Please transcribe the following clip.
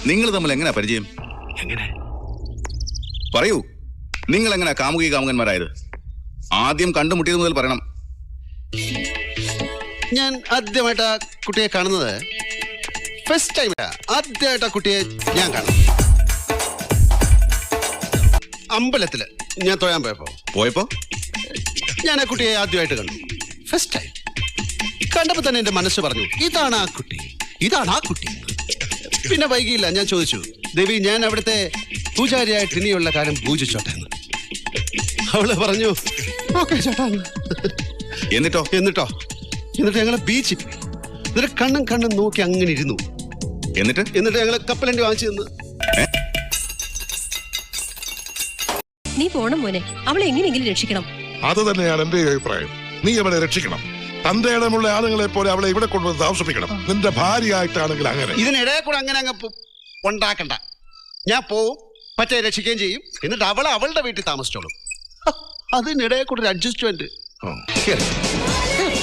നിങ്ങൾ തമ്മിൽ എങ്ങനെയാ പരിചയം? എങ്ങനെ പറയൂ, നിങ്ങൾ എങ്ങനെയാ കാമുകി കാമുകന്മാരായത്? ആദ്യം കണ്ടുമുട്ടിയത് മുതൽ പറയണം. ഞാൻ ആദ്യമായിട്ട് ആ കുട്ടിയെ കാണുന്നത് ഫസ്റ്റ് ടൈം. ആദ്യമായിട്ട് ആ കുട്ടിയെ ഞാൻ കാണും അമ്പലത്തില്. ഞാൻ തൊഴാൻ പോയപ്പോ ഞാൻ ആ കുട്ടിയെ ആദ്യമായിട്ട് കണ്ടു. ഫസ്റ്റ് ടൈം കണ്ടപ്പോ തന്നെ എന്റെ മനസ്സ് പറഞ്ഞു, ഇതാണ് ആ കുട്ടി, ഇതാണ് ആ കുട്ടി. പിന്നെ വൈകിയില്ല, ഞാൻ ചോദിച്ചു, ദേവി ഞാൻ അവിടുത്തെ പൂജാരിയായിട്ട് ഇനിയുള്ള കാലം പൂജിച്ചോട്ടെ എന്ന്. അവള് പറഞ്ഞു ഓക്കെ ചേട്ടാ. എന്നിട്ട് ഞങ്ങള് ബീച്ചിൽ പോയി. എന്നിട്ട് കണ്ണും നോക്കി അങ്ങനെ ഇരുന്നു. എന്നിട്ട് ഞങ്ങള് കപ്പലണ്ടി വാങ്ങിച്ചു തന്നു. നീ പോണം മോനെ, അവളെ എങ്ങനെയെങ്കിലും രക്ഷിക്കണം. അത് തന്നെയാണ് എന്റെ അഭിപ്രായം. നീ അവളെ രക്ഷിക്കണം. തന്റെ ഇടമുള്ള ആളുകളെ പോലെ അവളെ ഇവിടെ കൊണ്ടുവന്ന് താമസിപ്പിക്കണം. നിന്റെ ഭാര്യയായിട്ടാണെങ്കിൽ അങ്ങനെ. ഇതിനിടെ കൂടെ അങ്ങനെ അങ്ങ് ഉണ്ടാക്കണ്ട. ഞാൻ പോവും, പറ്റേ രക്ഷിക്കുകയും ചെയ്യും. എന്നിട്ട് അവളുടെ വീട്ടിൽ താമസിച്ചോളും. അതിനിടെ കൂടെ ഒരു അഡ്ജസ്റ്റ്മെന്റ്.